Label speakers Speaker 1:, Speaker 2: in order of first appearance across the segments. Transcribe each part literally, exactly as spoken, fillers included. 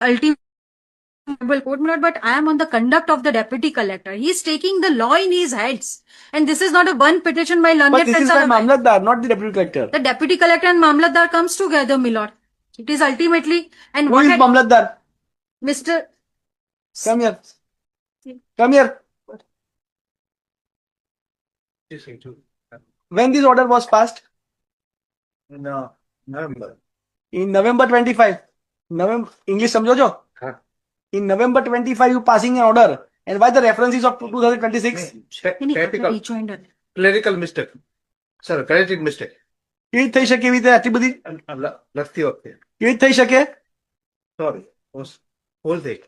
Speaker 1: ultimate court, my lord, but I am on the conduct of the deputy collector. He is taking the law in his hands. And this is not a one petition by learned
Speaker 2: But this is
Speaker 1: friends
Speaker 2: by
Speaker 1: are aware.
Speaker 2: Mamlatdar, not the deputy collector.
Speaker 1: The deputy collector and Mamlatdar comes together, my lord. It is ultimately, and
Speaker 2: Who
Speaker 1: what
Speaker 2: is
Speaker 1: had
Speaker 2: Mamlatdar?
Speaker 1: Mister
Speaker 2: Come here. Come here. When this order was passed?
Speaker 3: No, November.
Speaker 2: In November twenty-five. November, English समझो जो?
Speaker 3: हाँ.
Speaker 2: In November twenty-five, you passing an order. And why the references of two thousand twenty-six?
Speaker 1: Any
Speaker 3: Technical,
Speaker 1: rejoinder.
Speaker 3: clerical mistake. Sir, clerical mistake.
Speaker 2: કેવી થઈ શકે એવી રીતે આટલી બધી
Speaker 3: લખતી વખતે.
Speaker 2: કેવી થઈ શકે?
Speaker 3: Sorry. Whole thing.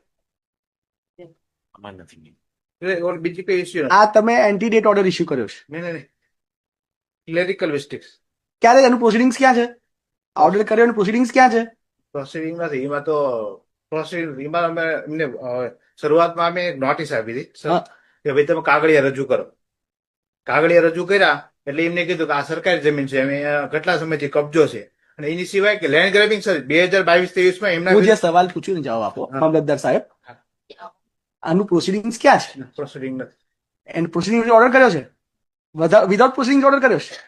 Speaker 3: અમાર નથી. ઓર બીજી કઈ ઇશ્યુ?
Speaker 2: આ તમે એન્ટી ડેટ ઓર્ડર ઇશ્યુ કર્યો છે.
Speaker 3: નહીં નહીં નહીં. Clerical mistakes.
Speaker 2: ક્યારે એનું પ્રોસિડિંગ્સ ક્યાં છે? ઓર્ડર કર્યો એનું પ્રોસિડિંગ્સ ક્યાં છે?
Speaker 3: પ્રોસિડિંગ નથી. એમાં તો પ્રોસિડિંગ એમાં અમે એમને શરૂઆતમાં અમે નોટિસ આપી હતી કે ભાઈ તમે કાગળિયા રજૂ કરો. કાગળિયા રજૂ કર્યા એટલે એમને કીધું કે આ સરકારી જમીન છે, અમે કેટલા સમયથી કબજો છે અને એની સિવાય કે લેન્ડ ગ્રેબિંગ સર બે હજાર બાવીસ ત્રેવીસ માં એમના
Speaker 2: હું જે સવાલ પૂછ્યું ને જવાબ આપો મામલતદાર સાહેબ. આનું પ્રોસિડિંગ્સ ક્યાં છે?
Speaker 3: પ્રોસિડિંગ નથી.
Speaker 2: એન્ડ પ્રોસિડિંગ ઓર્ડર કર્યો છે? વિધાઉટ પ્રોસિડિંગ ઓર્ડર કર્યો છે?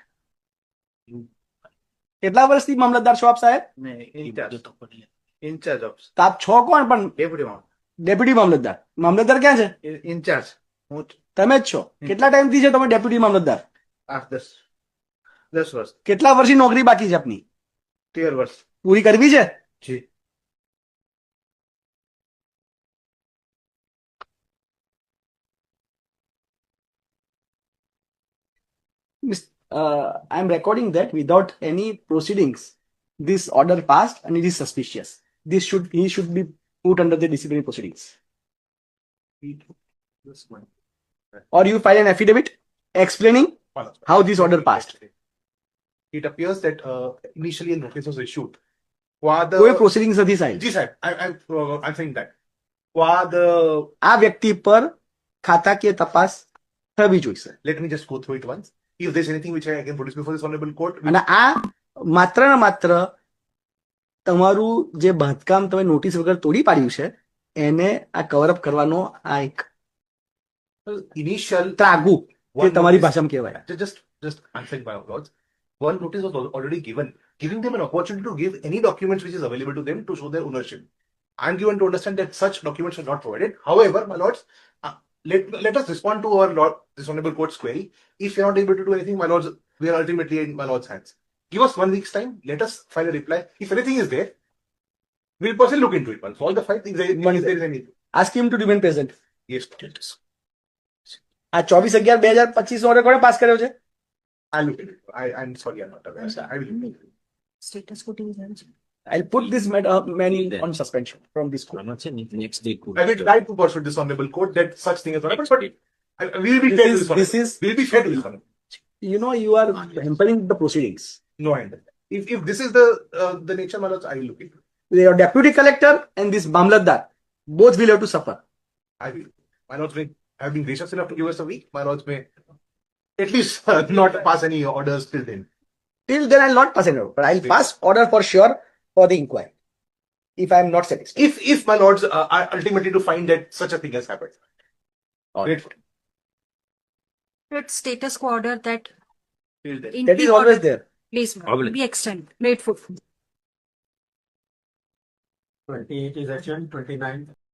Speaker 2: કેટલા વર્ષથી મામલતદાર છો આપ સાહેબ?
Speaker 3: Incharge of.
Speaker 2: તો આપ છો કોણ? પણ
Speaker 3: ડેપ્યુટી
Speaker 2: ડેપ્યુટી મામલતદાર. મામલતદાર ક્યાં છે?
Speaker 3: ઇન્ચાર્જ હું
Speaker 2: તમે જ છો. કેટલા ટાઈમથી છે તમે ડેપ્યુટી મામલતદાર?
Speaker 3: આઠ દસ દસ વર્ષ.
Speaker 2: કેટલા વર્ષની નોકરી બાકી છે આપની?
Speaker 3: તેર વર્ષ
Speaker 2: પૂરી કરવી છે?
Speaker 3: જી.
Speaker 2: Uh, I am recording that without any proceedings, this order passed and it is suspicious. This should he should be put under the disciplinary proceedings. Or you file an affidavit explaining how this order passed.
Speaker 4: It appears that uh, initially a notice was issued. For the
Speaker 2: કોઈ proceedings નથી સાહેબ.
Speaker 4: Ji sir, I, I'm uh, I'm saying that. For the
Speaker 2: આ વ્યક્તિ પર ખાતાકીય તપાસ થવી જોઈશે.
Speaker 4: let me just go through it once. If there's anything which I can produce before this honorable court,
Speaker 2: અને આ માત્ર ને માત્ર તમારું જે બાંધકામ તમે નોટિસ વગર તોડી પાડ્યું છે એને આ કવર અપ કરવાનો આ એક
Speaker 4: initial
Speaker 2: ત્રાગુ જે
Speaker 4: one
Speaker 2: તમારી
Speaker 4: notice-
Speaker 2: ભાષામાં કહેવાય.
Speaker 4: Ju- just just answering my words. One notice was al- already given, giving them an opportunity to give any documents which is available to them to show their ownership. I'm given to understand that such documents are not provided. However, my lords, uh, let let us respond to our lord this honorable court's query. If you're not able to do anything, my lords, we are ultimately in my lord's hands. Give us one week's time. Let us file a reply. If anything is there, we'll personally look into it. Once all the fight, if there, if there is any,
Speaker 2: Ask him to remain present.
Speaker 4: yes,
Speaker 2: આ ચોવીસ અગિયાર બે હજાર પચીસ order કોણે pass કર્યો છે?
Speaker 4: I'll look into it. I, I'm sorry, I'm not aware. I will look into it.
Speaker 1: Status quo is
Speaker 2: I'll put this man, uh, man in, on suspension from this court.
Speaker 5: next day.
Speaker 4: I will try to persuade this honorable court that such thing has not happened, but I, I- we will be fair
Speaker 2: This
Speaker 4: to
Speaker 2: is,
Speaker 4: this
Speaker 2: this
Speaker 4: honorable.
Speaker 2: is,
Speaker 4: We'll be fair to this honorable.
Speaker 2: you know, you are hampering the proceedings.
Speaker 4: No, I understand. If, if this is the uh, the nature, my lords, I will look into it.
Speaker 2: Your deputy collector and this Mamlatdar, both will have to suffer.
Speaker 4: I will. My lords may have been gracious enough to give us a week. My lords may at least uh, not pass any orders till then.
Speaker 2: Till then, I'll not pass an order, but I'll pass order for sure for the inquiry. If I am not satisfied.
Speaker 4: If if my lords uh, are ultimately to find that such a thing has happened.
Speaker 2: All
Speaker 4: Grateful.
Speaker 1: It's status quo order that
Speaker 4: Till then.
Speaker 1: in
Speaker 2: That is
Speaker 1: the
Speaker 2: always
Speaker 1: order,
Speaker 2: there.
Speaker 1: please ma'am,
Speaker 5: Always.
Speaker 1: be extended. Grateful.
Speaker 6: twenty-eight is adjourned, twenty-nine